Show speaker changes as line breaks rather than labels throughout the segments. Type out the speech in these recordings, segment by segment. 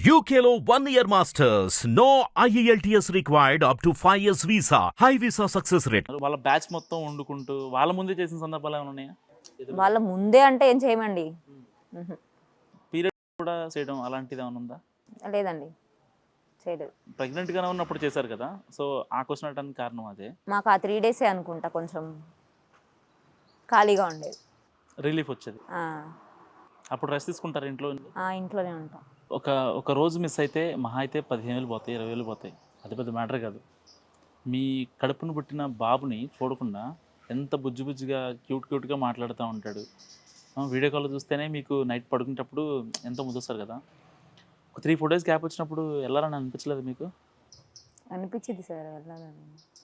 UKLO 1 year masters. No IELTS required up to 5 years visa. High visa success rate.
వాళ్ళ batch మొత్తం వండుకుంటూ వాళ్ళ ముందే చేసిన సందర్భాలు ఏమైనా ఉన్నాయా?
వాళ్ళ ముందే అంటే ఏం చేయమండి.
పీరియడ్ కూడా చేయడం అలాంటిది ఏమైనా ఉందా?
లేదండి, చేయలేదు.
ప్రెగ్నెంట్గానే ఉన్నప్పుడు చేశారు కదా, సో ఆ క్వశ్చన్ అడగడానికి కారణం అదే.
మాకు ఆ 3 డేసే అనుకుంటా కొంచెం ఖాళీగా ఉండేది.
రిలీఫ్ వచ్చేది. అప్పుడు రెస్ట్ తీసుకుంటారు ఇంట్లో?
ఇంట్లోనే ఉంటాం.
ఒక రోజు మిస్ అయితే మహా అయితే 15,000 పోతాయి, 20,000 పోతాయి. అది పెద్ద మ్యాటర్ కాదు. మీ కడుపును పుట్టిన బాబుని చూడకుండా ఎంత బుజ్జిగా క్యూట్గా మాట్లాడుతూ ఉంటాడు. వీడియో కాల్ చూస్తేనే మీకు నైట్ పడుకునేటప్పుడు ఎంతో ముద్దొస్తారు కదా. ఒక 3-4 డేస్ గ్యాప్ వచ్చినప్పుడు వెళ్ళాలని అనిపించలేదు మీకు?
అనిపించింది సార్ వెళ్ళాలని,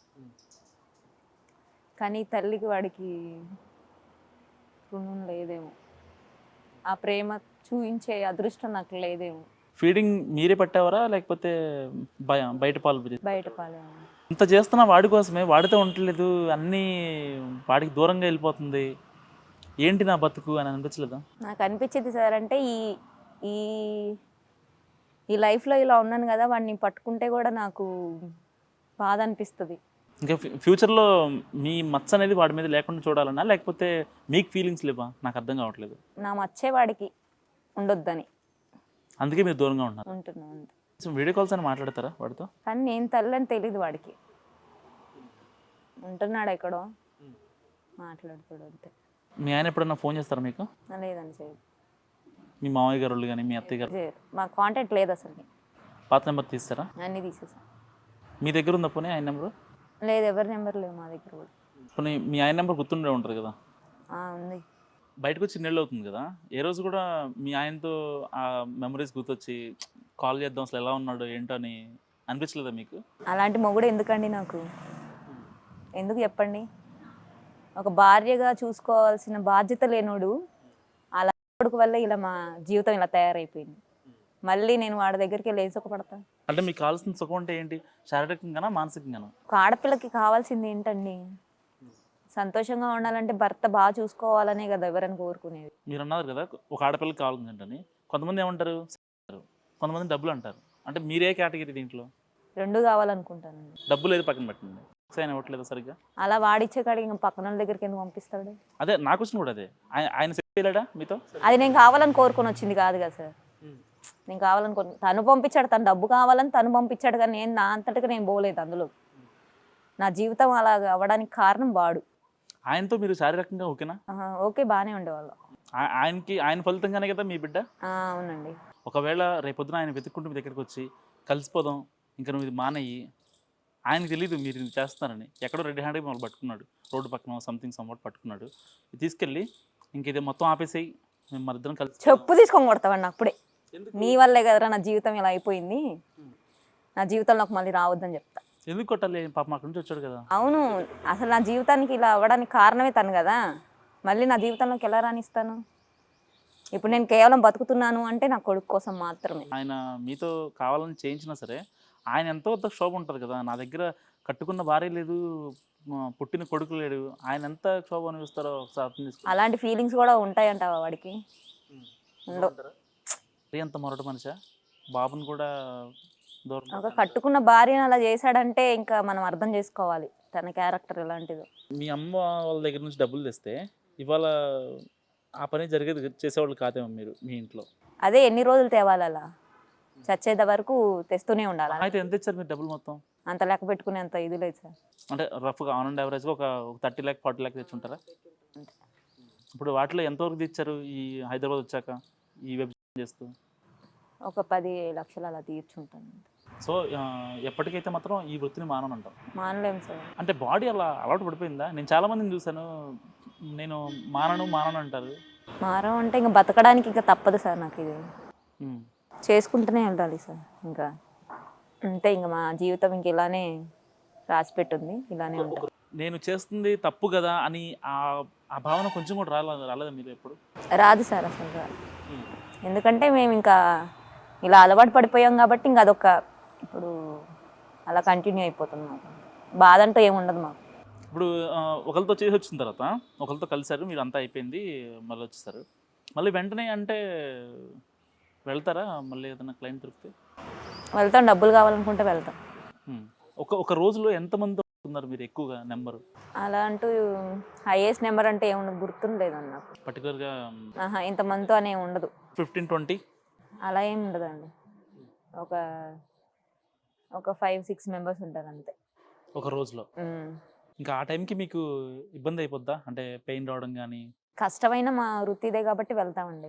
కానీ తల్లికి వాడికి రుణం లేదేమో, ఆ ప్రేమ చూపించే అదృష్టం నాకు లేదేమో.
ఫీడింగ్ మీరే పట్టేవారా లేకపోతే బయట పాలు?
బయట పాలు.
ఇంత చేస్తున్నా వాడి కోసమే, వాడితో ఉండలేదు, అన్నీ వాడికి దూరంగా వెళ్ళిపోతుంది, ఏంటి నా బతుకు అని అనిపించలేదా?
నాకు అనిపించింది సార్, అంటే ఈ ఈ లైఫ్లో ఇలా ఉన్నాను కదా, వాడిని పట్టుకుంటే కూడా నాకు బాధ అనిపిస్తుంది.
ఇంకా ఫ్యూచర్లో మీ మచ్చ అనేది వాడి మీద లేకుండా చూడాలన్నా లేకపోతే మీకు ఫీలింగ్స్ లేవా? నాకు అర్థం కావట్లేదు.
నా మచ్చే వాడికి ఉండొద్దని
అందుకే మీరు దూరంగా
ఉంటున్నాను.
వీడియో కాల్స్ అని మాట్లాడతారా వాడితో?
కానీ నేను తల్లి అని తెలీదు వాడికి, ఉంటున్నాడు ఎక్కడో మాట్లాడుతాడు అంతే.
మీ ఆయన ఎప్పుడన్నా ఫోన్ చేస్తారా మీకు?
లేదండి, చేయదు.
మీ మామయ్య గారు వాళ్ళు కానీ మీ అత్తయ్య గారు?
మా కాంటాక్ట్ లేదు అసలు.
పాత నెంబర్ తీస్తారా?
అన్నీ తీసేసా.
మీ దగ్గర ఉందా పోనీ ఆయన నెంబరు?
లేదు, ఎవరి నెంబర్ లేవు మా దగ్గర కూడా.
పోనీ మీ ఆయన నెంబర్ గుర్తుండే ఉంటుంది కదా?
ఉంది.
బయటకు వచ్చి నెలలు అవుతుంది కదా, ఏ రోజు కూడా మీ ఆయనతో ఆ మెమరీస్ గుర్తొచ్చి కాల్ చేద్దాం అసలు ఎలా ఉన్నాడు ఏంటో అని అనిపించలేదా మీకు?
అలాంటి మొగుడు ఎందుకండి నాకు? ఎందుకు చెప్పండి? ఒక భార్యగా చూసుకోవాల్సిన బాధ్యత లేనోడు అలా కొడుకు వల్ల ఇలా మా జీవితం ఇలా తయారైపోయింది. మళ్ళీ నేను వాడి దగ్గరికి లేచొక పడతా.
అంటే మీకు కావాల్సిన సుఖం అంటే ఏంటి? శారీరకంగానా మానసికంగానా?
ఒక ఆడపిల్లకి కావాల్సింది ఏంటండి? సంతోషంగా ఉండాలంటే భర్త బాగా చూసుకోవాలనే కదా ఎవరైనా కోరుకునేది.
మీరు అన్నారు కదా ఒక ఆడపిల్లకి కావాల్సిందంటని. కొంతమంది ఏమంటారు, కొంతమంది డబ్బులు అంటారు. అంటే మీరే కేటగిరీ దీంట్లో?
రెండు కావాలనుకుంటానండి.
డబ్బులు ఏది పక్కన పెట్టండి, ఆయన ఇవ్వట్లేదు సరిగ్గా.
అలా వాడిచ్చే కాడికి ఇంకా పక్కన వాళ్ళ దగ్గరికి ఎందుకు పంపిస్తాడు?
అదే నా క్వశ్చన్ కూడా అదే. ఆయన చేయలేడా మీతో?
అది నేను కావాలని కోరుకొని వచ్చింది కాదు కదా సార్. నేను కావాలనుకో తను పంపించాడు, తను డబ్బు కావాలని తను పంపించాడు, కానీ నేను నా అంతటిగా నేను పోలేదు అందులో. నా జీవితం అలా అవ్వడానికి కారణం వాడు.
ఆయనతో మీరు శారీరకంగా ఓకేనా?
ఓకే, బాగానే ఉండేవాళ్ళం.
ఆయన ఫలితంగానే కదా మీ బిడ్డ?
అవునండి.
ఒకవేళ రేపొద్దున ఆయన వెతుక్కుంటూ మీ దగ్గరికి వచ్చి కలిసిపోదాం, ఇంకా నువ్వు ఇది మానయ్యి, ఆయనకు తెలియదు మీరు ఇది చేస్తున్నారని, ఎక్కడో రెడ్ హ్యాండ్గా మమ్మల్ని పట్టుకున్నాడు, రోడ్డు పక్కన సంథింగ్ పట్టుకున్నాడు, తీసుకెళ్ళి ఇంక ఇది మొత్తం ఆపేసేయి, మేము మన ఇద్దరం కలిసి
చెప్పు తీసుకొని కొడతావండి అప్పుడే. నీ వల్లే కదరా నా జీవితం ఇలా అయిపోయింది, నా జీవితంలోకి మళ్ళీ రావద్దని చెప్తా.
ఎందుకు కొట్టాలి? పాప అక్కడి నుంచి వచ్చాడు కదా.
అవును, అసలు నా జీవితానికి ఇలా అవ్వడానికి కారణమే తను కదా, మళ్ళీ నా జీవితంలోకి ఎలా రాణిస్తాను? ఇప్పుడు నేను కేవలం బతుకుతున్నాను అంటే నా కొడుకు కోసం మాత్రమే.
ఆయన మీతో కావాలని చేయించినా సరే ఆయన ఎంతో పెద్ద క్షోభ ఉంటుంది కదా. నా దగ్గర కట్టుకున్న భార్య లేదు, పుట్టిన కొడుకు లేడు, ఆయన ఎంత క్షోభ అనిపిస్తారో ఒకసారి అర్థం చేసుకో.
అలాంటి ఫీలింగ్స్ కూడా ఉంటాయంటావా వాడికి?
ఎంత మొరటి మనిషా? బాబుని కూడా
ఒక కట్టుకున్న భార్యను అలా చేశాడంటే ఇంకా మనం అర్థం చేసుకోవాలి తన క్యారెక్టర్ ఎలాంటిదో.
మీ అమ్మ వాళ్ళ దగ్గర నుంచి డబ్బులు తెస్తే ఇవాళ ఆ పని జరిగేది చేసేవాళ్ళు కాదేమో మీరు మీ ఇంట్లో?
అదే ఎన్ని రోజులు తేవాలి, అలా చచ్చేది వరకు తెస్తూనే ఉండాలి.
అయితే ఎంత ఇచ్చారు మీరు డబ్బులు మొత్తం?
అంత లెక్క పెట్టుకునే అంత ఇది లేదు సార్.
అంటే రఫ్గా ఆన్ అండ్ యావరేజ్గా ఒక 30 lakh 40 lakh తెచ్చుంటారా? ఇప్పుడు వాటిలో ఎంతవరకు తెచ్చారు ఈ హైదరాబాద్ వచ్చాక ఈ వెబ్ చేస్తూ?
ఒక 10 లక్షలు అలా తీర్చుంటాను.
సో ఎప్పటికైతే మాత్రం ఈ వృత్తిని మానంటాం?
మానలేము సార్.
అంటే బాడీ అలా అలవాటు పడిపోయిందా? నేను చాలా మందిని చూసాను, నేను మానను అంటారు.
మారం అంటే ఇంకా బతకడానికి ఇంకా తప్పదు సార్, నాకు ఇది చేసుకుంటూనే ఉండాలి సార్. ఇంకా అంతే, ఇంకా మా జీవితం ఇంక ఇలానే రాసి పెట్టుంది, ఇలానే ఉంటుంది.
నేను చేస్తుంది తప్పు కదా అని ఆ భావన కొంచెం కూడా రాలేదా మీరు ఎప్పుడు?
రాదు సార్, అసలు రాదు. ఎందుకంటే మేము ఇంకా ఇలా అలవాటు పడిపోయాం కాబట్టి ఇంకా అదొక ఇప్పుడు అలా కంటిన్యూ అయిపోతుంది. మాకు బాధ అంటూ ఏముండదు మాకు.
ఇప్పుడు ఒకరితో చేసి వచ్చిన తర్వాత ఒకరితో కలిసారు, మీరు అంతా అయిపోయింది, మళ్ళీ వచ్చేసారు, మళ్ళీ వెంటనే అంటే వెళ్తారా మళ్ళీ ఏదైనా క్లయింట్ దొరికితే?
వెళ్తాం, డబ్బులు కావాలనుకుంటే వెళ్తాం.
ఒక రోజులో ఎంతమంది వస్తున్నారు మీరు ఎక్కువగా నెంబరు?
అలా అంటూ హైయెస్ట్ నెంబర్ అంటే ఏముండదు, గుర్తుండలేదు అన్న నాకు.
పర్టికులర్గా
ఇంతమందితో అనే ఉండదు,
15-20
అలా ఏం ఉండదండి. ఒక ఒక 5-6 మెంబర్స్ ఉంటారు అంతే
ఒక రోజులో. ఇంకా ఆ టైంకి మీకు ఇబ్బంది అయిపోద్దా, అంటే పెయిన్ రావడం కానీ?
కష్టమైన మా వృత్తి ఇదే కాబట్టి వెళ్తామండి.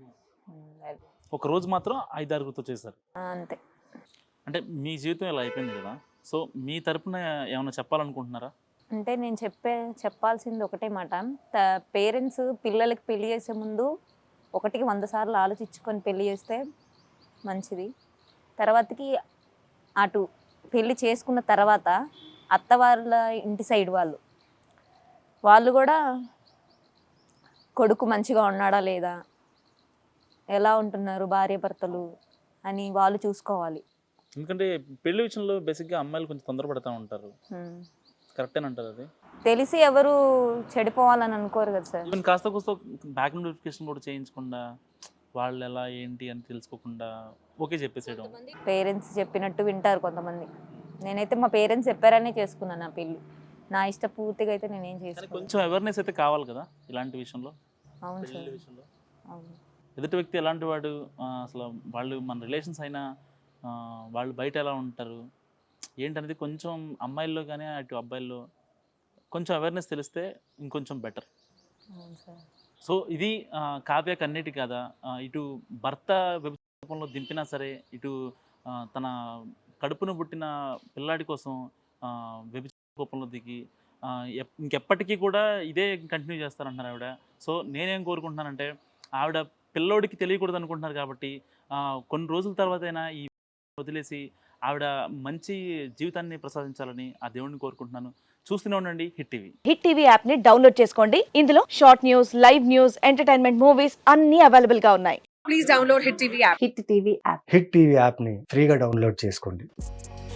ఒక రోజు మాత్రం 5-6 చేశారు
అంతే.
అంటే మీ జీవితం ఇలా అయిపోయింది కదా, సో మీ తరపున ఏమైనా చెప్పాలనుకుంటున్నారా?
అంటే నేను చెప్పాల్సింది ఒకటే మాట, పేరెంట్స్ పిల్లలకి పెళ్లి చేసే ముందు 100 సార్లు ఆలోచించుకొని పెళ్లి చేస్తే మంచిది. తర్వాతకి అటు పెళ్లి చేసుకున్న తర్వాత అత్త వాళ్ళ ఇంటి సైడ్ వాళ్ళు కూడా కొడుకు మంచిగా ఉన్నాడా లేదా, ఎలా ఉంటున్నారు భార్యాభర్తలు అని వాళ్ళు చూసుకోవాలి.
ఎందుకంటే పెళ్లి విషయంలో బేసిక్గా అమ్మాయిలు కొంచెం తొందరపడతా ఉంటారు. కరెక్టేనంటారు అది?
తెలిసి ఎవరు చెడిపోవాలని అనుకోరు కదా సార్.
ఈవెన్ కాస్త కూస్త బ్యాక్గ్రౌండ్ వెరిఫికేషన్ కూడా చేయించకుండా, వాళ్ళు ఎలా ఏంటి అని తెలుసుకోకుండా ఓకే చెప్పేసేయడం.
పేరెంట్స్ చెప్పినట్టు వింటారు కొంతమంది. నేనైతే మా పేరెంట్స్ చెప్పారనే చేసుకున్నాను నా పెళ్ళి. నా ఇష్టపూర్తిగా అయితే నేనేం చేసుకున్నాను.
కొంచెం అవేర్నెస్ అయితే కావాలి కదా ఇలాంటి విషయంలో.
అవును
పెళ్లి
సార్,
విషయంలో
అవును.
ఎదుటి వ్యక్తి ఎలాంటి వాడు, అసలు వాళ్ళు మన రిలేషన్స్ అయినా వాళ్ళు బయట ఎలా ఉంటారు ఏంటనేది కొంచెం అమ్మాయిల్లో కానీ అటు అబ్బాయిల్లో కొంచెం అవేర్నెస్ తెలిస్తే ఇంకొంచెం బెటర్.
అవును సార్.
సో ఇది కావ్యకు అన్నిటి కదా, ఇటు భర్త రూపంలో దింపినా సరే, ఇటు తన కడుపును పుట్టిన పిల్లాడి కోసం రూపంలో దిగి ఇంకెప్పటికీ కూడా ఇదే కంటిన్యూ చేస్తారంటున్నారు ఆవిడ. సో నేనేం కోరుకుంటున్నానంటే, ఆవిడ పిల్లోడికి తెలియకూడదు అనుకుంటున్నారు కాబట్టి కొన్ని రోజుల తర్వాత అయినా ఈ వదిలేసి ఆవిడ మంచి జీవితాన్ని ప్రసాదించాలని ఆ దేవుడిని కోరుకుంటున్నాను. చూస్తూనే ఉండండి hit TV.
Hit TV app ని డౌన్లోడ్ చేసుకోండి. ఇందులో short news, live news, entertainment movies అన్ని అవైలబుల్ గా ఉన్నాయి.
Please download Hit TV app.
Hit TV app.
Hit TV యాప్ని ఫ్రీగా డౌన్లోడ్ చేసుకోండి.